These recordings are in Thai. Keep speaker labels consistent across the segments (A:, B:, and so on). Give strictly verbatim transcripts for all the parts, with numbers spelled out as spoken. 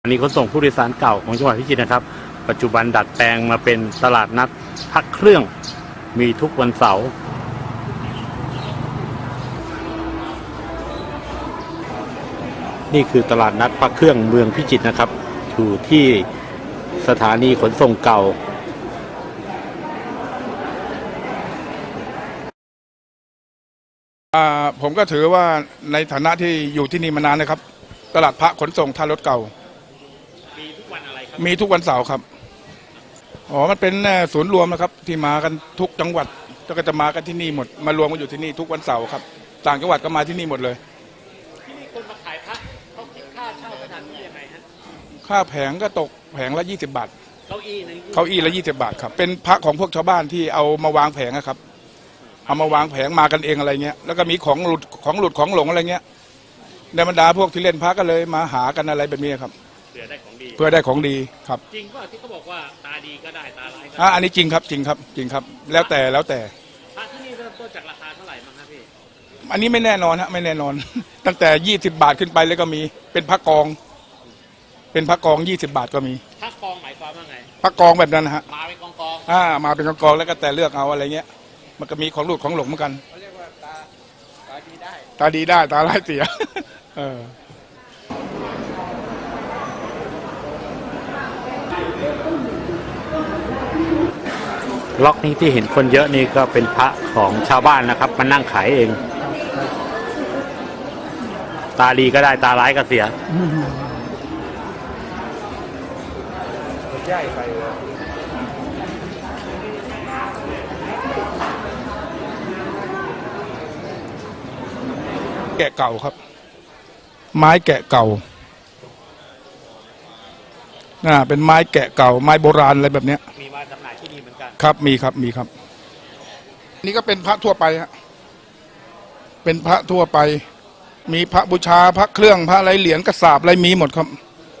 A: อันนี้ขนส่งผู้โดยสารเก่าของจังหวัดพิจิตรนะครับปัจจุบันดัดแปลงมาเป็นตลาดนัดพักเครื่องมีทุกวันเสาร์นี่คือตลาดนัดพักเครื่องเมืองพิจิตรนะครับอยู่ที่สถานีขนส่งเก่า
B: ผมก็ถือว่าในฐานะที่อยู่ที่นี่มานานนะครับตลาดพระขนส่งท่ารถเก่ามีทุกวันอะไรครับมีทุกวันเสาร์ครับอ๋อมันเป็นศูนย์รวมนะครับที่มากันทุกจังหวัดก็จะมากันที่นี่หมดมารวมกันอยู่ที่นี่ทุกวันเสาร์ครับต่างจังหวัดก็มาที่นี่หมดเลย
C: ที่นี่คนมาขายพระเขาคิดค่าเช่าสถานที่ยังไงฮะ
B: ค่าแผงก็ตกแผงละยี่สิบบาท
C: เก้าอี้นึง
B: เก้าอี้ละยี่สิบบาทครับเป็นพระของพวกชาวบ้านที่เอามาวางแผงนะครับเอามาวางแผงมากันเองอะไรเงี้ยแล้วก็มีของหลุดของหลุดของหลงอะไรเงี้ยในบรรดาพวกที่เล่นพระก็เลยมาหากันอะไรแบบนี้ครับ
C: เพื่อได้ของดี
B: เพื่อได้ของดีครับ
C: จริงว่าที่เขาบอกว่าตาดีก็ได้ตาร้ายก็
B: ได้อันนี้จริงครับจริงครับจริงครับแล้วแต่แล้วแต่
C: พระที่นี่เริ่มต้นจากราคาเท่าไหร่บ้างครับพี่
B: อันนี้ไม่แน่นอนฮะไม่แน่นอนตั้งแต่ยี่สิบบาทขึ้นไปเลยก็มีเป็นพระกองเป็นพระกองยี่สิบบาทก็มี
C: พระกองหมายความว่าไง
B: พระกองแบบนั้นฮะ
C: มาเป็นกองกอง
B: อ่ามาเป็นกองกองแล้วก็แต่เลือกเอาอะไรเงี้ยมันก็มีของหลุดของหลงเหมือนกัน
C: เขาเรียกว่าตาตาดีได้
B: ตาดีได้ตาร้ายเสียเออ
A: ล็อกนี้ที่เห็นคนเยอะนี่ก็เป็นพระของชาวบ้านนะครับมานั่งขายเองตาดีก็ได้ตาร้ายก็เสีย
B: ใหญ่ไปแกะเก่าครับไม้แกะเก่าน่าเป็นไม้แกะเก่าไม้โบราณอะไรแบบเนี้ย
C: มีมาจำหน่ายที่นี่เหมือนกัน
B: ครับมีครับมีครับนี่ก็เป็นพระทั่วไปฮะเป็นพระทั่วไปมีพระบูชาพระเครื่องพระอะไรเหรียญกระสาบอะไรมีหมดครับ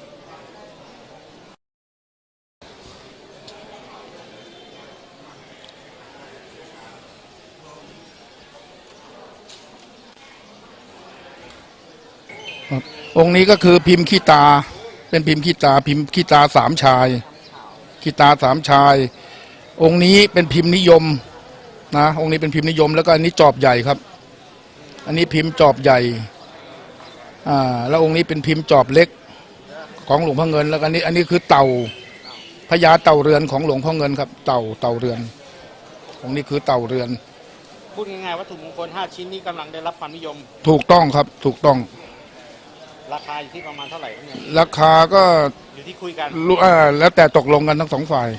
B: องค์นี้ก็คือพิมพ์ขี้ตาเป็นพิมพ์ขี้ตาพิมพ์ขี้ตาสามชายขี้ตาสามชายองค์นี้เป็นพิมพ์นิยมนะองค์นี้เป็นพิมพ์นิยมแล้วก็อันนี้จอบใหญ่ครับอันนี้พิมพ์จอบใหญ่อ่าแล้วองค์นี้เป็นพิมพ์จอบเล็กของหลวงพ่อเงินแล้วก็อันนี้อันนี้คือเต่าพญาเต่าเรือนของหลวงพ่อเงินครับเต่าเต่าเรือนองค์นี้คือเต่าเรือน
C: พูดง่ายๆวัตถุมงคลห้าชิ้นนี้กำลังได้รับความนิยม
B: ถูกต้องครับถูกต้อง
C: ราคาอยู่ที่ประมาณเท่าไหร่ครับเนี่ย
B: ราคาก็
C: อยู่ที่คุยกัน
B: รู้อ่าแล้วแต่ตกลงกันทั้งสองฝ่าย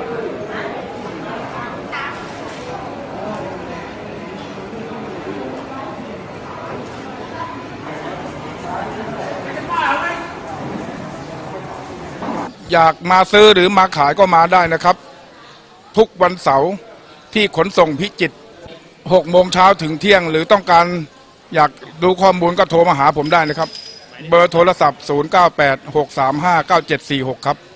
B: อยากมาซื้อหรือมาขายก็มาได้นะครับทุกวันเสาร์ที่ขนส่งพิจิตรหกโมงเช้าถึงเที่ยงหรือต้องการอยากดูข้อมูลก็โทรมาหาผมได้นะครับเบอร์โทรศัพท์ศูนย์ เก้า แปด หก สาม ห้า เก้า เจ็ด สี่ หกครับ